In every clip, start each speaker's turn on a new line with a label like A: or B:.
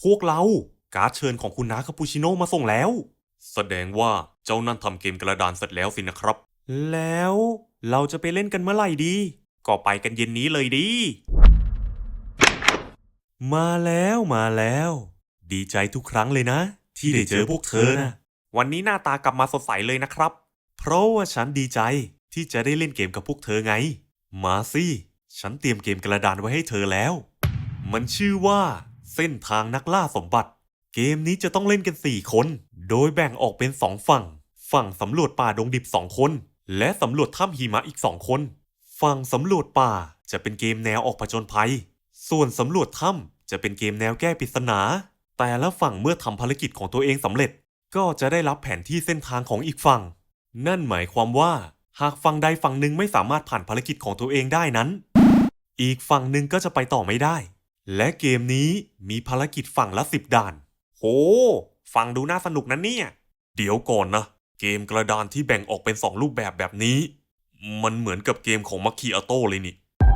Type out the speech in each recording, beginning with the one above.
A: วกเราการ์ดเชิญของคุณน้าคาปูชิโน่มาส่งแล้วแสดงว่าเจ้านั่นทำเกมกระดานเสร็จแล้วสินะครับแล้วเราจะไปเล่นกันเมื่อไหร่ดีก็ไปกันเย็นนี้เลยดีมาแล้วดีใจทุกครั้งเลยนะที่ได้เจอพวกเธอนะวันนี้หน้าตากลับมาสดใสเลยนะครับเพราะว่าฉันดีใจที่จะได้เล่นเกมกับพวกเธอไงมาสิฉันเตรียมเกมกระดานไว้ให้เธอแล้วมันชื่อว่าเส้นทางนักล่าสมบัติเกมนี้จะต้องเล่นกัน4คนโดยแบ่งออกเป็น2ฝั่งสำรวจป่าดงดิบ2คนและสำรวจถ้ำหิมะอีก2คนฝั่งสำรวจป่าจะเป็นเกมแนวออกผจญภัยส่วนสำรวจถ้ำจะเป็นเกมแนวแก้ปริศนาแต่ละฝั่งเมื่อทำภารกิจของตัวเองสำเร็จก็จะได้รับแผนที่เส้นทางของอีกฝั่งนั่นหมายความว่าหากฝั่งใดฝั่งหนึ่งไม่สามารถผ่านภารกิจของตัวเองได้นั้นอีกฝั่งหนึ่งก็จะไปต่อไม่ได้และเกมนี้มีภารกิจฝั่งละ10ด่านโหฟังดูน่าสนุกนะเนี่ยเดี๋ยวก่อนนะเกมกระดานที่แบ่งออกเป็น2รูปแบบนี้มันเหมือนกับเกมของมัคคิอาโต้เลยนี่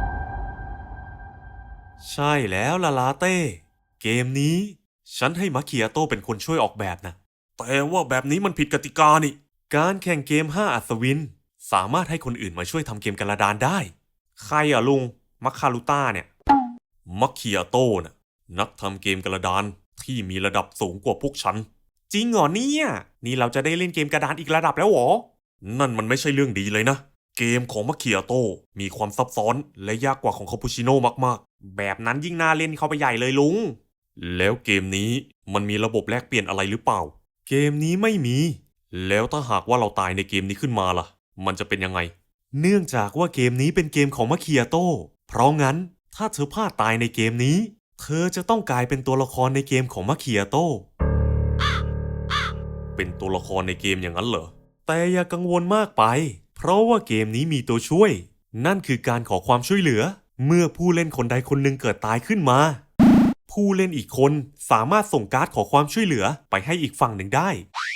A: ใช่แล้วล่ะลาเต้เกมนี้ฉันให้มัคคิอาโต้เป็นคนช่วยออกแบบนะแต่ว่าแบบนี้มันผิดกติกานี่การแข่งเกม5อัศวินสามารถให้คนอื่นมาช่วยทำเกมกระดานได้ใครอ่ะลุงมัคคารุต้าเนี่ยมัคคิอาโต้น่ะนักทำเกมกระดานที่มีระดับสูงกว่าพวกฉันจริงเหรอเนี่ยนี่เราจะได้เล่นเกมกระดานอีกระดับแล้วเหรอนั่นมันไม่ใช่เรื่องดีเลยนะเกมของมัคคิอาโต้มีความซับซ้อนและยากกว่าของคาปูชิโน่มากๆแบบนั้นยิ่งน่าเล่นเข้าไปใหญ่เลยลุงแล้วเกมนี้มันมีระบบแลกเปลี่ยนอะไรหรือเปล่าเกมนี้ไม่มีแล้วถ้าหากว่าเราตายในเกมนี้ขึ้นมาล่ะมันจะเป็นยังไงเนื่องจากว่าเกมนี้เป็นเกมของมัคคิอาโต้เพราะงั้นถ้าเธอพลาดตายในเกมนี้เธอจะต้องกลายเป็นตัวละครในเกมของมัคคิอาโต้เป็นตัวละครในเกมอย่างนั้นเหรอแต่อย่ากังวลมากไปเพราะว่าเกมนี้มีตัวช่วยนั่นคือการขอความช่วยเหลือเมื่อผู้เล่นคนใดคนหนึ่งเกิดตายขึ้นมาผู้เล่นอีกคนสามารถส่งการ์ดขอความช่วยเหลือไปให้อีกฝั่งหนึ่งได้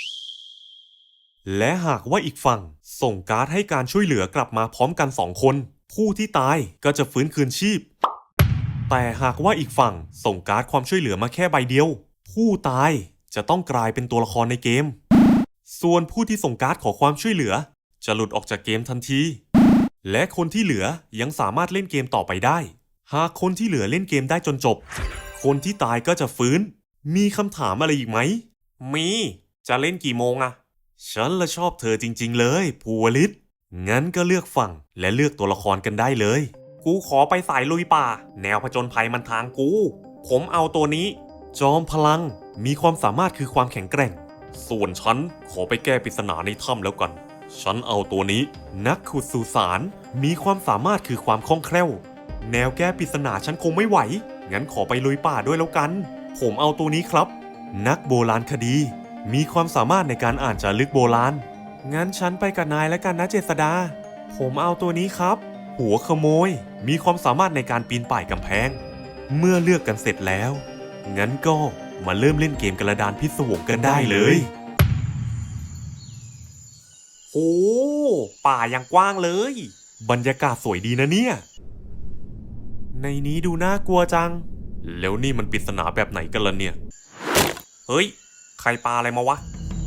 A: และหากว่าอีกฝั่งส่งการ์ดให้การช่วยเหลือกลับมาพร้อมกัน2คนผู้ที่ตายก็จะฟื้นคืนชีพแต่หากว่าอีกฝั่งส่งการ์ดความช่วยเหลือมาแค่ใบเดียวผู้ตายจะต้องกลายเป็นตัวละครในเกมส่วนผู้ที่ส่งการ์ดขอความช่วยเหลือจะหลุดออกจากเกมทันทีและคนที่เหลือยังสามารถเล่นเกมต่อไปได้หากคนที่เหลือเล่นเกมได้จนจบคนที่ตายก็จะฟื้นมีคำถามอะไรอีกไหมมีจะเล่นกี่โมงอะฉันละชอบเธอจริงๆเลยภูวลิตงั้นก็เลือกฝั่งและเลือกตัวละครกันได้เลยกูขอไปสายลุยป่าแนวผจญภัยมันทางกูผมเอาตัวนี้จอมพลังมีความสามารถคือความแข็งแกร่งส่วนฉันขอไปแก้ปริศนาในถ้ำแล้วกันฉันเอาตัวนี้นักขุดสุสานมีความสามารถคือความคล่องแคล่วแนวแก้ปริศนาฉันคงไม่ไหวงั้นขอไปลุยป่าด้วยแล้วกันผมเอาตัวนี้ครับนักโบราณคดีมีความสามารถในการอ่านจารึกโบราณงั้นฉันไปกับนายแล้วกันนะเจษดาผมเอาตัวนี้ครับหัวขโมยมีความสามารถในการปีนป่ายกำแพงเมื่อเลือกกันเสร็จแล้วงั้นก็มาเริ่มเล่นเกมกระดานพิศวงกันได้เลยโอ้ป่ายังกว้างเลยบรรยากาศสวยดีนะเนี่ยในนี้ดูน่ากลัวจังแล้วนี่มันปริศนาแบบไหนกันล่ะเนี่ยเฮ้ยใครปาอะไรมาวะ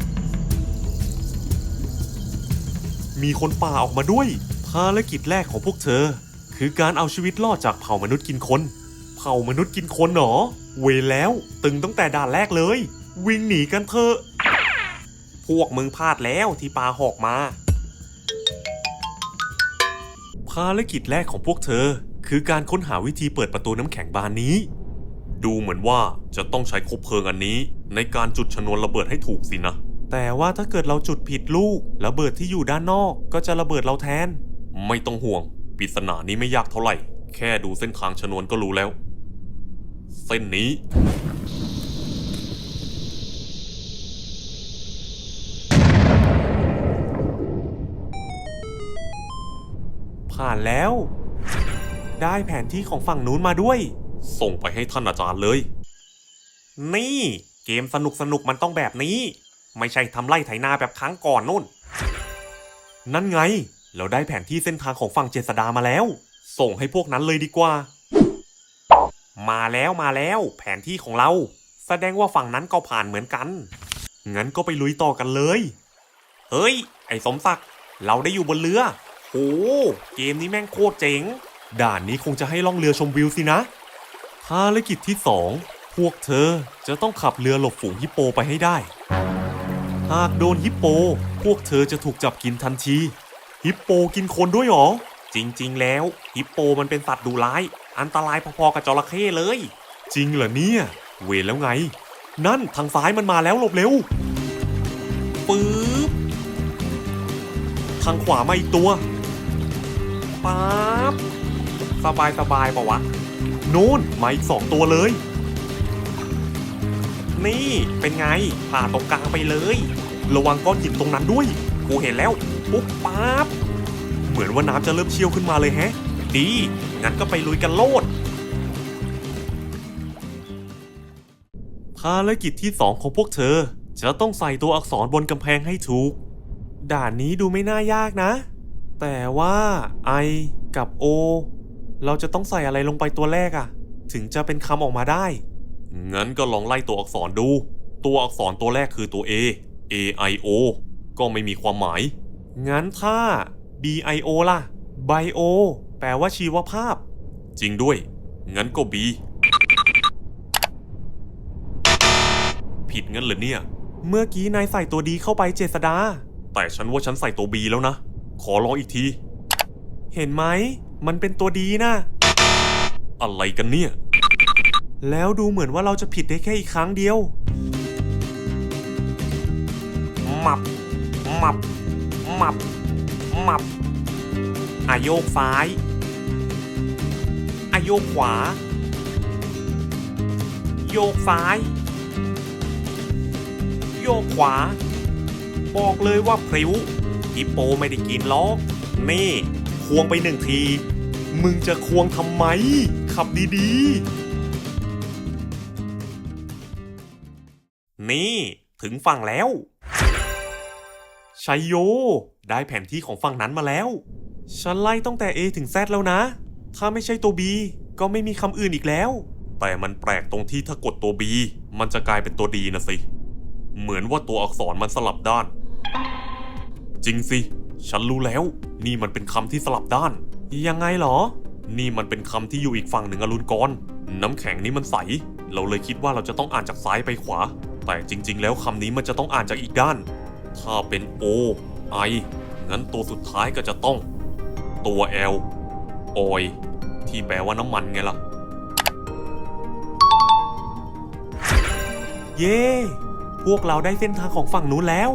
A: มีคนป่าออกมาด้วยภารกิจแรกของพวกเธอคือการเอาชีวิตรอดจากเผ่ามนุษย์กินคนเผ่ามนุษย์กินคนเหรอเวรแล้วตึงตั้งแต่ด่านแรกเลยวิ่งหนีกันเถอะพวกมึงพลาดแล้วที่ปาหอกมาภารกิจแรกของพวกเธอคือการค้นหาวิธีเปิดประตูน้ำแข็งบานนี้ดูเหมือนว่าจะต้องใช้คบเพลิงอันนี้ในการจุดชนวนระเบิดให้ถูกสินะแต่ว่าถ้าเกิดเราจุดผิดลูกระเบิดที่อยู่ด้านนอกก็จะระเบิดเราแทนไม่ต้องห่วงปริศนานี้ไม่ยากเท่าไหร่แค่ดูเส้นทางชนวนก็รู้แล้วเส้นนี้ผ่านแล้วได้แผนที่ของฝั่งนู้นมาด้วยส่งไปให้ท่านอาจารย์เลยนี่เกมสนุกมันต้องแบบนี้ไม่ใช่ทำไร่ไถนาแบบครั้งก่อนนู่นนั่นไงเราได้แผนที่เส้นทางของฝั่งเจษดามาแล้วส่งให้พวกนั้นเลยดีกว่ามาแล้วแผนที่ของเราแสดงว่าฝั่งนั้นก็ผ่านเหมือนกันงั้นก็ไปลุยต่อกันเลยเฮ้ยไอ้สมศักดิ์เราได้อยู่บนเรือโหเกมนี้แม่งโคตรเจ๋งด่านนี้คงจะให้ล่องเรือชมวิวสินะภารกิจที่2พวกเธอจะต้องขับเรือหลบฝูงฮิปโปไปให้ได้หากโดนฮิปโปพวกเธอจะถูกจับกินทันทีฮิปโปกินคนด้วยหรอจริงๆแล้วฮิปโปมันเป็นสัตว์ดุร้ายอันตรายพอๆกับจระเข้เลยจริงเหรอเนี่ยเวรแล้วไงนั่นทางซ้ายมันมาแล้วหลบเร็วปึ๊บทางขวามาอีกตัวปั๊บสบายปะวะนู่นมาอีก2ตัวเลยนี่เป็นไงผ่าตรงกลางไปเลยระวังก้อนหินตรงนั้นด้วยกูเห็นแล้วปุ๊บปั๊บเหมือนว่าน้ำจะเริ่มเชี่ยวขึ้นมาเลยแฮะดีงั้นก็ไปลุยกันโลดภารกิจที่2ของพวกเธอจะต้องใส่ตัวอักษรบนกำแพงให้ถูกด่านนี้ดูไม่น่ายากนะแต่ว่า I กับ O เราจะต้องใส่อะไรลงไปตัวแรกอะถึงจะเป็นคำออกมาได้งั้นก็ลองไล่ตัวอักษรดูตัวอักษรตัวแรกคือตัว A A I O ก็ไม่มีความหมายงั้นถ้า B I O ล่ะ Bio แปลว่าชีวภาพจริงด้วยงั้นก็ B ผิดงั้นเหรอเนี่ยเมื่อกี้นายใส่ตัวดีเข้าไปเจษดาแต่ฉันว่าฉันใส่ตัว B แล้วนะขอลองอีกทีเห็นไหมมันเป็นตัวดีนะอะไรกันเนี่ยแล้วดูเหมือนว่าเราจะผิดได้แค่อีกครั้งเดียวมับโยกซ้ายโยกขวาโยกซ้ายโยกขวาบอกเลยว่าพริ้วฮิปโปไม่ได้กินล้อนี่ควงไป1 ทีมึงจะควงทำไมขับดีๆนี่ถึงฝั่งแล้วชัยโยได้แผนที่ของฝั่งนั้นมาแล้วฉันไล่ตั้งแต่ A ถึง Z แล้วนะถ้าไม่ใช่ตัว B ก็ไม่มีคำอื่นอีกแล้วแต่มันแปลกตรงที่ถ้ากดตัว B มันจะกลายเป็นตัว D นะสิเหมือนว่าตัวอักษรมันสลับด้านจริงสิฉันรู้แล้วนี่มันเป็นคำที่สลับด้านยังไงหรอนี่มันเป็นคำที่อยู่อีกฝั่งหนึ่งอรุณกรน้ำแข็งนี้มันใสเราเลยคิดว่าเราจะต้องอ่านจากซ้ายไปขวาแต่จริงๆแล้วคำนี้มันจะต้องอ่านจากอีกด้านถ้าเป็น O I งั้นตัวสุดท้ายก็จะต้องตัว L Oil ที่แปลว่าน้ำมันไงล่ะเย้พวกเราได้เส้นทางของฝั่งนู้นแล้ว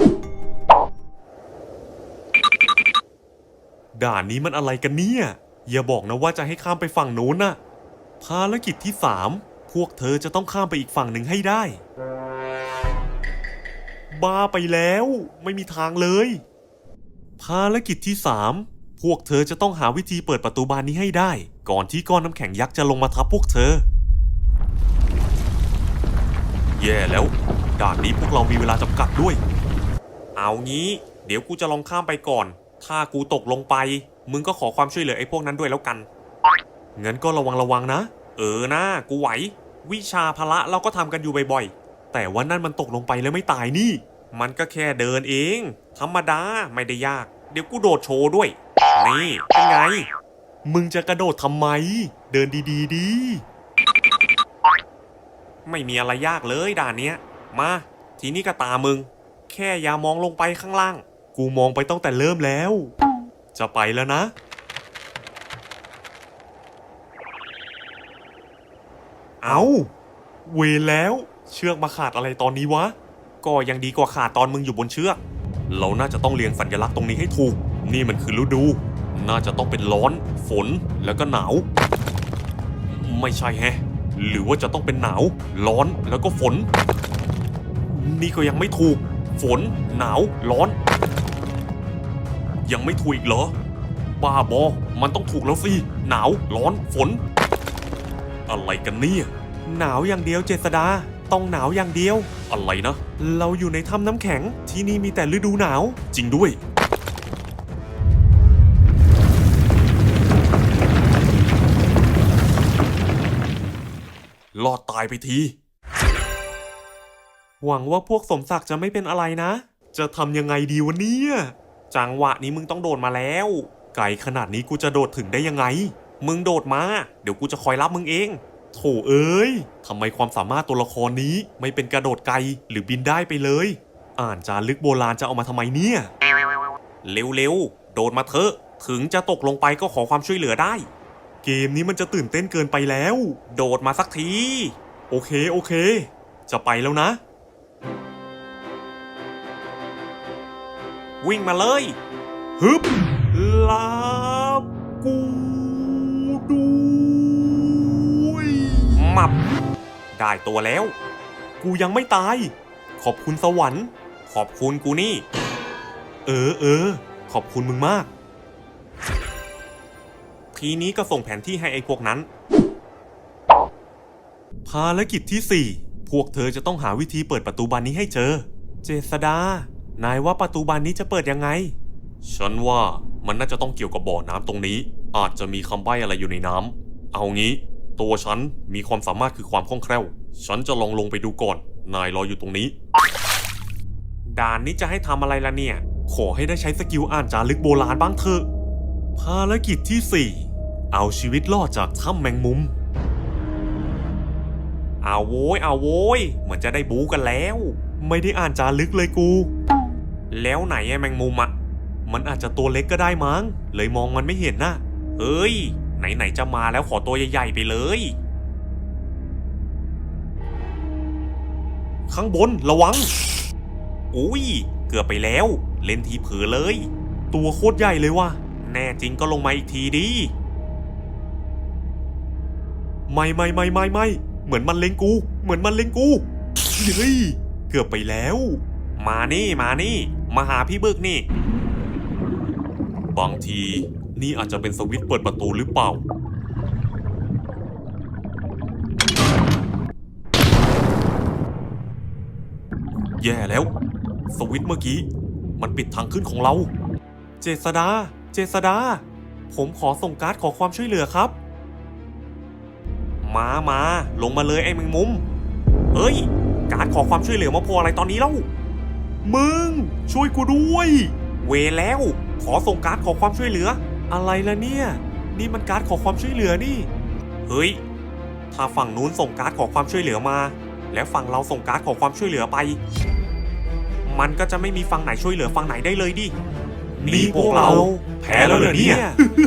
A: ด่านนี้มันอะไรกันเนี่ยอย่าบอกนะว่าจะให้ข้ามไปฝั่งนู้นน่ะภารกิจที่3พวกเธอจะต้องข้ามไปอีกฝั่งหนึ่งให้ได้บ้าไปแล้วไม่มีทางเลยภารกิจที่3พวกเธอจะต้องหาวิธีเปิดประตูบานนี้ให้ได้ก่อนที่ก้อนน้ำแข็งยักษ์จะลงมาทับพวกเธอแย่แล้วด่านนี้พวกเรามีเวลาจำกัดด้วยเอางี้เดี๋ยวกูจะลองข้ามไปก่อนถ้ากูตกลงไปมึงก็ขอความช่วยเหลือไอ้พวกนั้นด้วยแล้วกันงั้นก็ระวังนะนะกูไหววิชาพละเราก็ทำกันอยู่บ่อยๆแต่ว่านั่นมันตกลงไปแล้วไม่ตายนี่มันก็แค่เดินเองธรรมดาไม่ได้ยากเดี๋ยวกูโดดโชว์ด้วยนี่เป็นไงมึงจะกระโดดทำไมเดินดีๆดีไม่มีอะไรยากเลยด่านเนี้ยมาทีนี้ก็ตามึงแค่อย่ามองลงไปข้างล่างกูมองไปตั้งแต่เริ่มแล้วจะไปแล้วนะเอาเวรแล้วเชือกมาขาดอะไรตอนนี้วะก็ยังดีกว่าขาดตอนมึงอยู่บนเชือกเราน่าจะต้องเรียงสัญลักษณ์ตรงนี้ให้ถูกนี่มันคือฤดูน่าจะต้องเป็นร้อนฝนแล้วก็หนาวไม่ใช่แฮะหรือว่าจะต้องเป็นหนาวร้อนแล้วก็ฝนนี่ก็ยังไม่ถูกฝนหนาวร้อนยังไม่ถูกอีกเหรอบ้าบอมันต้องถูกแล้วสิหนาวร้อนฝนอะไรกันเนี่ยหนาวอย่างเดียวเจษดาต้องหนาวอย่างเดียวอะไรนะเราอยู่ในถ้ำน้ำแข็งที่นี่มีแต่ฤดูหนาวจริงด้วยรอดตายไปทีหวังว่าพวกสมศักดิ์จะไม่เป็นอะไรนะ จะทำยังไงดีวะเนี่ยจังหวะนี้มึงต้องโดดมาแล้วไกลขนาดนี้กูจะโดดถึงได้ยังไงมึงโดดมาเดี๋ยวกูจะคอยรับมึงเองโถเอ้ยทำไมความสามารถตัวละครนี้ไม่เป็นกระโดดไกลหรือบินได้ไปเลยอ่านจารึกโบราณจะเอามาทำไมเนี่ยเร็วๆโดดมาเถอะถึงจะตกลงไปก็ขอความช่วยเหลือได้เกมนี้มันจะตื่นเต้นเกินไปแล้วโดดมาสักทีโอเคจะไปแล้วนะวิ่งมาเลยฮึบลาบกูด้วยมับได้ตัวแล้วกูยังไม่ตายขอบคุณสวรรค์ขอบคุณกูนี่เออขอบคุณมึงมากทีนี้ก็ส่งแผนที่ให้ไอ้พวกนั้นภารกิจที่4พวกเธอจะต้องหาวิธีเปิดประตูบานนี้ให้เจอเจษดานายว่าประตูบานนี้จะเปิดยังไงฉันว่ามันน่าจะต้องเกี่ยวกับบ่อน้ำตรงนี้อาจจะมีคำใบ้อะไรอยู่ในน้ำเอางี้ตัวฉันมีความสามารถคือความคล่องแคล่วฉันจะลงไปดูก่อนนายรออยู่ตรงนี้ด่านนี้จะให้ทำอะไรล่ะเนี่ยขอให้ได้ใช้สกิลอ่านจารึกโบราณบ้างเถอะภารกิจที่4เอาชีวิตรอดจากถ้ำแมงมุมเอาโว้ยเหมือนจะได้บู๊กันแล้วไม่ได้อ่านจารึกเลยกูแล้วไหนไอ้แมงมุมอะมันอาจจะตัวเล็กก็ได้มั้งเลยมองมันไม่เห็นนะเฮ้ยไหนจะมาแล้วขอตัวใหญ่ๆไปเลยข้างบนระวังอุ้ยเกือบไปแล้วเล่นทีเผลอเลยตัวโคตรใหญ่เลยว่ะแน่จริงก็ลงมาอีกทีดิไม่เหมือนมันเล็งกูเฮ้ยเกือบไปแล้วมานี่มาหาพี่บึกนี่บางทีนี่อาจจะเป็นสวิตช์เปิดประตูหรือเปล่าแย่แล้วสวิตช์เมื่อกี้มันปิดทางขึ้นของเราเจษดาผมขอส่งการ์ดขอความช่วยเหลือครับมาลงมาเลยไอ้แมงมุมเฮ้ยการ์ดขอความช่วยเหลือมาพออะไรตอนนี้เล่ามึงช่วยกูด้วยเวแล้วขอส่งการ์ดขอความช่วยเหลืออะไรล่ะเนี่ยนี่มันการ์ดขอความช่วยเหลือนี่เฮ้ยถ้าฝั่งนู้นส่งการ์ดขอความช่วยเหลือมาแล้วฝั่งเราส่งการ์ดขอความช่วยเหลือไปมันก็จะไม่มีฝั่งไหนช่วยเหลือฝั่งไหนได้เลยดินี่พวกเราแพ้แล้วเหรอเนี่ย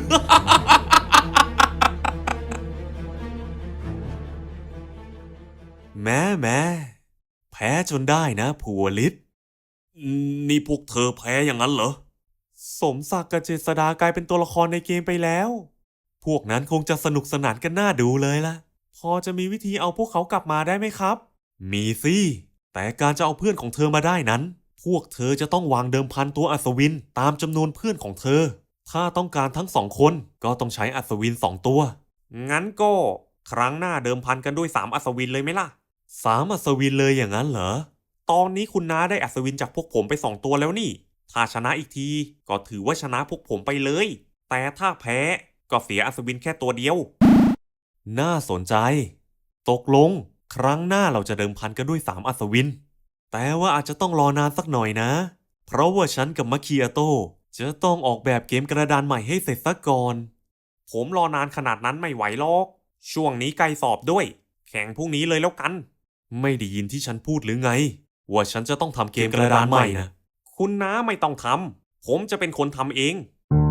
A: แม่แพ้จนได้นะภูวลิตนี่พวกเธอแพ้อย่างนั้นเหรอสมศักดิ์กับเจษดากลายเป็นตัวละครในเกมไปแล้วพวกนั้นคงจะสนุกสนานกันน่าดูเลยล่ะพอจะมีวิธีเอาพวกเขากลับมาได้ไหมครับมีสิแต่การจะเอาเพื่อนของเธอมาได้นั้นพวกเธอจะต้องวางเดิมพันตัวอัศวินตามจำนวนเพื่อนของเธอถ้าต้องการทั้ง2 คนก็ต้องใช้อัศวิน2 ตัวงั้นก็ครั้งหน้าเดิมพันกันด้วย3 อัศวินเลยไหมล่ะ3 อัศวินเลยอย่างนั้นเหรอตอนนี้คุณน้าได้อัศวินจากพวกผมไป2 ตัวแล้วนี่ถ้าชนะอีกทีก็ถือว่าชนะพวกผมไปเลยแต่ถ้าแพ้ก็เสียอัศวินแค่ตัวเดียวน่าสนใจตกลงครั้งหน้าเราจะเดิมพันกันด้วย3 อัศวินแต่ว่าอาจจะต้องรอนานสักหน่อยนะเพราะว่าฉันกับมาคิอาโต้จะต้องออกแบบเกมกระดานใหม่ให้เสร็จซะก่อนผมรอนานขนาดนั้นไม่ไหวหรอกช่วงนี้ใกล้สอบด้วยแข่งพรุ่งนี้เลยแล้วกันไม่ได้ยินที่ฉันพูดหรือไงว่าฉันจะต้องทำเกมกระดานใหม่นะคุณน้าไม่ต้องทำผมจะเป็นคนทำเอง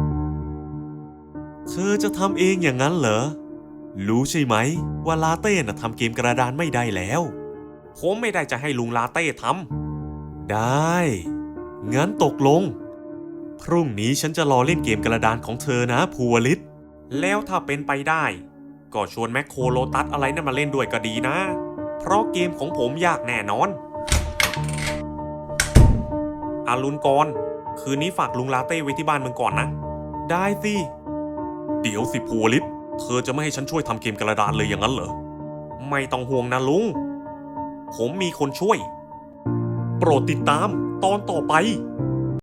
A: เธอจะทำเองอย่างนั้นเหรอรู้ใช่ไหมว่าลาเต้น่ะทำเกมกระดานไม่ได้แล้วผมไม่ได้จะให้ลุงลาเต้ทำได้งั้นตกลงพรุ่งนี้ฉันจะรอเล่นเกมกระดานของเธอนะภูวลิตแล้วถ้าเป็นไปได้ก็ชวนแมคโครโลตัสอะไรนั่นมาเล่นด้วยก็ดีนะเพราะเกมของผมยากแน่นอนอารุณกรคืนนี้ฝากลุงลาเต้ไว้ที่บ้านมึงก่อนนะได้สิเดี๋ยวสิภูวลิตเธอจะไม่ให้ฉันช่วยทำเกมกระดานเลยอย่างนั้นเหรอไม่ต้องห่วงนะลุงผมมีคนช่วยโปรดติดตามตอนต่อไป